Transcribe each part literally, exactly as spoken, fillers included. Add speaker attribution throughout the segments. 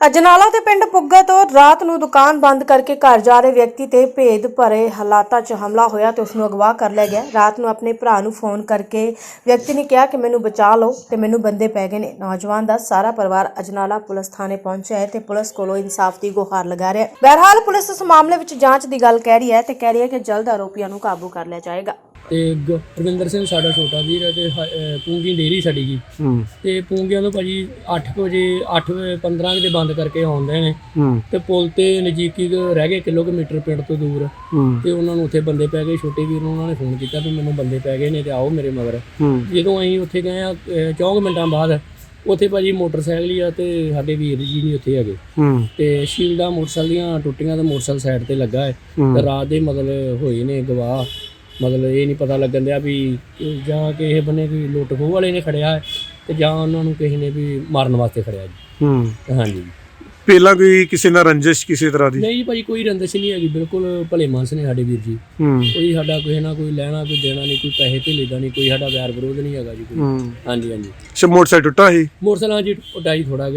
Speaker 1: ਅਜਨਾਲਾ ਦੇ ਪਿੰਡ ਪੁੱਗਾ ਤੋਂ ਰਾਤ ਨੂੰ ਦੁਕਾਨ ਬੰਦ ਕਰਕੇ ਘਰ ਜਾ ਰਹੇ ਵਿਅਕਤੀ ਤੇ ਭੇਦ ਭਰੇ ਹਾਲਾਤਾਂ 'ਚ ਹਮਲਾ ਹੋਇਆ ਤੇ ਉਸ ਨੂੰ ਅਗਵਾ ਕਰ ਲਿਆ ਗਿਆ। ਰਾਤ ਨੂੰ ਆਪਣੇ ਭਰਾ ਨੂੰ ਫੋਨ ਕਰਕੇ ਵਿਅਕਤੀ ਨੇ ਕਿਹਾ ਕਿ ਮੈਨੂੰ ਬਚਾ ਲਓ ਤੇ ਮੈਨੂੰ ਬੰਦੇ ਪੈ ਗਏ ਨੇ। ਨੌਜਵਾਨ ਦਾ ਸਾਰਾ ਪਰਿਵਾਰ ਅਜਨਾਲਾ ਪੁਲਿਸ ਥਾਣੇ ਪਹੁੰਚਿਆ ਹੈ ਤੇ ਪੁਲਿਸ ਕੋਲੋਂ ਇਨਸਾਫ ਦੀ ਗੁਹਾਰ ਲਗਾ ਰਿਹਾ ਹੈ। ਬਹਰਹਾਲ ਪੁਲਿਸ ਇਸ ਮਾਮਲੇ ਵਿੱਚ ਜਾਂਚ ਦੀ ਗੱਲ ਕਹਿ ਰਹੀ ਹੈ ਤੇ ਕਹਿ ਰਹੀ ਹੈ ਕਿ ਜਲਦ ਆਰੋਪੀਆਂ ਨੂੰ ਕਾਬੂ ਕਰ ਲਿਆ ਜਾਏਗਾ।
Speaker 2: ਤੇ ਗੁਰਵਿੰਦਰ ਸਿੰਘ ਸਾਡਾ ਛੋਟਾ ਵੀਰ ਹੈ ਤੇ ਪੂੰਗੀ ਡੇਰੀ ਸਾਡੀ ਜੀ ਤੇ ਪੂੰਗੀਆਂ ਤੋਂ ਭਾਜੀ ਅੱਠ ਵਜੇ ਅੱਠ ਪੰਦਰਾਂ ਦੇ ਬੰਦ ਕਰਕੇ ਆਉਂਦੇ ਨੇ ਤੇ ਪੁਲ ਤੇ ਨਜ਼ਦੀਕੀ ਰਹਿ ਗਏ ਕਿਲੋਮੀਟਰ ਪਿੰਡ ਤੋਂ ਦੂਰ ਤੇ ਉਹਨਾਂ ਨੂੰ ਉੱਥੇ ਬੰਦੇ ਪੈ ਗਏ। ਛੋਟੇ ਵੀਰ ਨੂੰ ਉਹਨਾਂ ਨੇ ਫੋਨ ਕੀਤਾ ਵੀ ਮੈਨੂੰ ਬੰਦੇ ਪੈ ਗਏ ਨੇ ਤੇ ਆਓ ਮੇਰੇ ਮਗਰ। ਜਦੋਂ ਅਸੀਂ ਉੱਥੇ ਗਏ ਆ ਚੌਂਕ ਮਿੰਟਾਂ ਬਾਅਦ ਉੱਥੇ ਭਾਜੀ ਮੋਟਰਸਾਈਕਲ ਹੀ ਆ ਤੇ ਸਾਡੇ ਵੀਰ ਜੀ ਨਹੀਂ ਉੱਥੇ ਹੈਗੇ ਤੇ ਸ਼ੀਲਡਾਂ ਮੋਟਰਸਾਈਕਲ ਦੀਆਂ ਟੁੱਟੀਆਂ ਤੇ ਮੋਟਰਸਾਈਕਲ ਸਾਈਡ ਤੇ ਲੱਗਾ ਹੈ ਤੇ ਰਾਤ ਦੇ ਮਤਲਬ ਹੋਏ ਨੇ ਗਵਾਹ। ਮਤਲਬ ਇਹ ਨਹੀਂ ਪਤਾ ਲੱਗਣ ਦਿਆ ਵੀ ਜਾਂ ਕਿਸੇ ਬੰਨੇ ਕੋਈ ਲੁੱਟ ਖੋਹ ਵਾਲੇ ਨੇ ਖੜਿਆ ਤੇ ਜਾਂ ਉਹਨਾਂ ਨੂੰ ਕਿਸੇ ਨੇ ਵੀ ਮਾਰਨ ਵਾਸਤੇ ਖੜਿਆ ਜੀ। ਹਾਂਜੀ
Speaker 3: ਪਹਿਲਾਂ ਕੋਈ ਕਿਸੇ ਨਾਲ ਰੰਜਿਸ਼ ਕਿਸੇ ਤਰ੍ਹਾਂ ਦੀ
Speaker 2: ਨਹੀਂ ਭਾਜੀ ਕੋਈ ਰੰਜਿਸ਼ ਨਹੀਂ ਹੈਗੀ, ਬਿਲਕੁਲ ਭਲੇ ਮਾਨਸ ਨੇ ਸਾਡੇ ਵੀਰ ਜੀ। ਕੋਈ ਸਾਡਾ ਕਿਸੇ ਨਾਲ ਕੋਈ ਲੈਣਾ ਕੋਈ ਦੇਣਾ ਨਹੀਂ, ਕੋਈ ਪੈਸੇ ਧੇਲੇ ਦਾ ਨਹੀਂ, ਕੋਈ ਸਾਡਾ ਵੈਰ ਵਿਰੋਧ ਨਹੀਂ ਹੈਗਾ ਜੀ ਕੋਈ। ਹਾਂਜੀ ਹਾਂਜੀ
Speaker 3: ਅੱਛਾ ਮੋਟਰਸਾਈਕਲ ਟੁੱਟਾ ਸੀ
Speaker 2: ਮੋਟਰਸਾਈਕਲ ਜੀ ਟੁੱਟਾ ਜੀ ਥੋੜਾ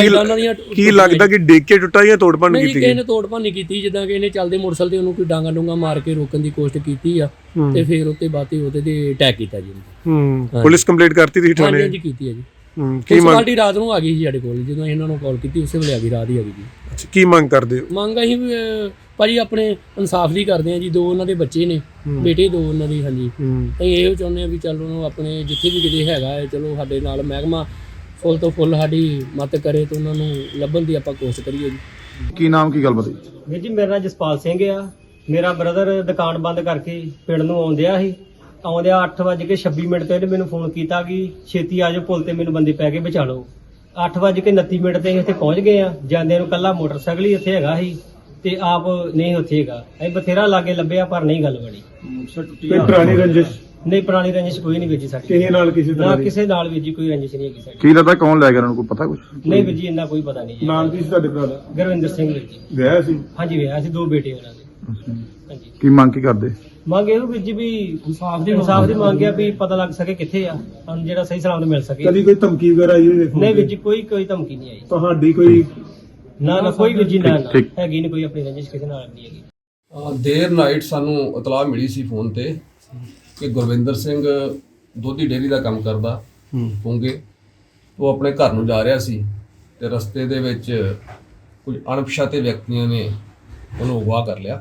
Speaker 3: ਕੀ ਲੱਗਦਾ ਕਿ ਡੇਕ ਕੇ ਟੁੱਟਾ ਜਾਂ ਤੋੜ ਭੰਨ ਕੀਤੀ
Speaker 2: ਕਿਸੇ ਨੇ ਤੋੜ ਭੰਨ ਨਹੀਂ ਕੀਤੀ। ਜਿੱਦਾਂ ਕਿ ਇਹਨੇ ਚੱਲਦੇ ਮੋਟਰਸਾਈਕਲ ਤੇ ਉਹਨੂੰ ਕੋਈ ਡਾਂਗਾ ਡੂੰਗਾ ਮਾਰ ਕੇ ਰੋਕਣ ਦੀ ਕੋਸ਼ਿਸ਼ ਕੀਤੀ ਆ ਤੇ ਫਿਰ ਉੱਤੇ ਬਾਤੀ ਉਹਦੇ ਤੇ ਅਟੈਕ ਕੀਤਾ ਜੀ।
Speaker 3: ਪੁਲਿਸ ਕੰਪਲੇਂਟ ਕਰਤੀ ਤੁਸੀਂ ਥਾਣੇ?
Speaker 2: ਹਾਂਜੀ ਕੀਤੀ ਹੈ ਜੀ।
Speaker 3: ਕੀ ਮੰਗ
Speaker 2: ਪਾਰਟੀ ਰਾਤ ਨੂੰ ਆ ਗਈ ਸੀ ਸਾਡੇ ਕੋਲ, ਜਦੋਂ ਇਹਨਾਂ ਨੂੰ ਕਾਲ ਕੀਤੀ ਉਸੇ ਵੇਲੇ ਆ ਗਈ, ਰਾਤ ਹੀ ਆ ਗਈ ਜੀ।
Speaker 3: ਅੱਛਾ ਕੀ ਮੰਗ ਕਰਦੇ ਹੋ?
Speaker 2: ਮੰਗ ਅਸੀਂ ਭਾਜੀ ਆਪਣੇ ਇਨਸਾਫ ਦੀ ਕਰਦੇ ਆ ਜੀ। ਦੋ ਉਹਨਾਂ ਦੇ ਬੱਚੇ ਨੇ, ਬੇਟੇ ਦੋ ਉਹਨਾਂ ਦੀ। ਹਾਂਜੀ ਅਸੀਂ ਇਹੋ ਚਾਹੁੰਦੇ ਆ ਵੀ ਚੱਲ ਉਹਨੂੰ ਆਪਣੇ ਜਿੱਥੇ ਵੀ ਕਿਤੇ ਹੈਗਾ ਹੈ ਚਲੋ ਸਾਡੇ ਨਾਲ ਮਹਿਕਮਾ ਫੁੱਲ ਤੋਂ ਫੁੱਲ ਸਾਡੀ ਮਦਦ ਕਰੇ ਤੇ ਉਹਨਾਂ ਨੂੰ ਲੱਭਣ ਦੀ ਆਪਾਂ ਕੋਸ਼ਿਸ਼ ਕਰੀਏ ਜੀ।
Speaker 4: ਕੀ ਨਾਮ ਕੀ ਗੱਲ ਬਤਾਈ
Speaker 5: ਵੀਰ ਜੀ? ਮੇਰਾ ਨਾਮ ਜਸਪਾਲ ਸਿੰਘ ਆ। ਮੇਰਾ ਬ੍ਰਦਰ ਦੁਕਾਨ ਬੰਦ ਕਰਕੇ ਪਿੰਡ ਨੂੰ ਆਉਂਦਿਆ ਸੀ। ਆਉਂਦਿਆ ਅੱਠ ਵੱਜ ਕੇ ਛੱਬੀ ਮਿੰਟ ਤੇ ਇਹਨੇ ਮੈਨੂੰ ਫੋਨ ਕੀਤਾ ਕਿ ਛੇਤੀ ਆ ਜਾਓ, ਪੁਲ ਤੇ ਮੈਨੂੰ ਬੰਦੇ ਪੈ ਕੇ ਬਚਾ ਲਓ। ਅੱਠ ਵੱਜ ਕੇ ਉਨੱਤੀ ਮਿੰਟ ਤੇ ਅਸੀਂ ਇੱਥੇ ਪਹੁੰਚ ਗਏ ਆ। ਜਾਂਦਿਆਂ ਨੂੰ ਕੱਲਾ ਮੋਟਰਸਾਈਕਲ ਹੀ ਇੱਥੇ ਹੈਗਾ ਸੀ ਤੇ ਆਪ ਨਹੀਂ ਉੱਥੇ ਹੈਗਾ। ਅਸੀਂ ਬਥੇਰਾ ਲਾਗੇ ਲੱਭਿਆ ਪਰ ਨਹੀਂ ਗੱਲ ਬਣੀ।
Speaker 3: ਕੋਈ ਪੁਰਾਣੀ ਰੰਜਿਸ਼?
Speaker 5: ਨਹੀਂ ਪੁਰਾਣੀ ਰੰਜਿਸ਼ ਕੋਈ ਨਹੀਂ ਵੀਰ ਜੀ ਸਾਡੀ।
Speaker 3: ਕਿਸੇ ਨਾਲ ਕਿਸੇ
Speaker 5: ਨਾ
Speaker 3: ਤਰ੍ਹਾਂ
Speaker 5: ਕਿਸੇ ਨਾਲ ਵੀਰ ਜੀ ਕੋਈ ਰੰਜਿਸ਼ ਨਹੀਂ ਹੈਗੀ ਸਾਡੀ।
Speaker 4: ਕੀ ਲੱਗਦਾ ਕੌਣ ਲੈ ਗਿਆ ਉਹਨਾਂ ਨੂੰ, ਕੋਈ ਪਤਾ ਕੁਝ?
Speaker 5: ਨਹੀਂ ਵੀਰ ਜੀ ਇੰਨਾ ਕੋਈ ਪਤਾ ਨਹੀਂ ਜੀ।
Speaker 3: ਨਾਮ ਕੀ ਸੀ ਤੁਹਾਡੇ ਭਰਾ ਦਾ?
Speaker 5: ਗੁਰਵਿੰਦਰ ਸਿੰਘ ਵੀਰ ਜੀ।
Speaker 3: ਵਿਆਹ ਸੀ?
Speaker 5: ਹਾਂਜੀ ਵਿਆਹ ਸੀ, ਦੋ ਬੇਟੇ ਉਹਨਾਂ ਦੇ। ਹਾਂਜੀ
Speaker 4: ਕੀ ਮੰਗ ਕੀ ਕਰਦੇ?
Speaker 5: ਮੰਗ ਇਹੋ ਵੀਰ ਜੀ ਵੀ ਇਨਸਾਫ ਦੀ ਇਨਸਾਫ ਦੀ ਮੰਗ ਆ ਵੀ ਪਤਾ ਲੱਗ ਸਕੇ ਕਿੱਥੇ ਆ, ਸਾਨੂੰ ਜਿਹੜਾ ਸਹੀ ਸਲਾਮਤ ਮਿਲ ਸਕੇ।
Speaker 3: ਕਦੀ ਕੋਈ ਧਮਕੀ ਵਗੈਰਾ ਆਈ ਹੋਵੇ?
Speaker 5: ਨਹੀਂ ਵੀਰ ਜੀ ਕੋਈ ਕੋਈ ਧਮਕੀ ਨਹੀਂ ਆਈ।
Speaker 3: ਤੁਹਾਡੀ ਕੋਈ
Speaker 5: ਨਾ ਨਾ ਕੋਈ ਵੀਰ ਜੀ ਨਾ ਨਾ
Speaker 4: ਠੀਕ।
Speaker 5: ਹੈਗੀ ਨਹੀਂ ਕੋਈ ਆਪਣੀ ਰੰਜਿਸ਼ ਕਿਸੇ ਨਾਲ ਨਹੀਂ ਹੈਗੀ।
Speaker 6: ਅ, ਦੇਰ ਨਾਈਟ ਸਾਨੂੰ ਇਤਲਾਹ ਮਿਲੀ ਸੀ ਫੋਨ ਤੇ ਕਿ ਗੁਰਵਿੰਦਰ ਸਿੰਘ ਦੁੱਧੀ ਡੇਅਰੀ ਦਾ ਕੰਮ ਕਰਦਾ ਪੂੰਗੇ। ਉਹ ਆਪਣੇ ਘਰ ਨੂੰ ਜਾ ਰਿਹਾ ਸੀ ਤੇ ਰਸਤੇ ਦੇ ਵਿੱਚ ਕੁਝ ਅਣਪਛਾਤੇ ਵਿਅਕਤੀਆਂ ਨੇ ਉਹਨੂੰ ਅਗਵਾ ਕਰ ਲਿਆ।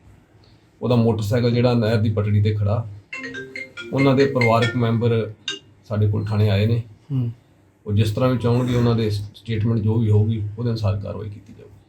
Speaker 6: ਉਹਦਾ ਮੋਟਰਸਾਈਕਲ ਜਿਹੜਾ ਨਹਿਰ ਦੀ ਪਟੜੀ ਤੇ ਖੜਾ, ਉਹਨਾਂ ਦੇ ਪਰਿਵਾਰਕ ਮੈਂਬਰ ਸਾਡੇ ਕੋਲ ਥਾਣੇ ਆਏ ਨੇ। ਉਹ ਜਿਸ ਤਰ੍ਹਾਂ ਵੀ ਚਾਹੁੰਗੇ ਉਹਨਾਂ ਦੇ ਸਟੇਟਮੈਂਟ ਜੋ ਵੀ ਹੋਊਗੀ ਉਹਦੇ ਅਨੁਸਾਰ ਕਾਰਵਾਈ ਕੀਤੀ ਜਾਊਗੀ।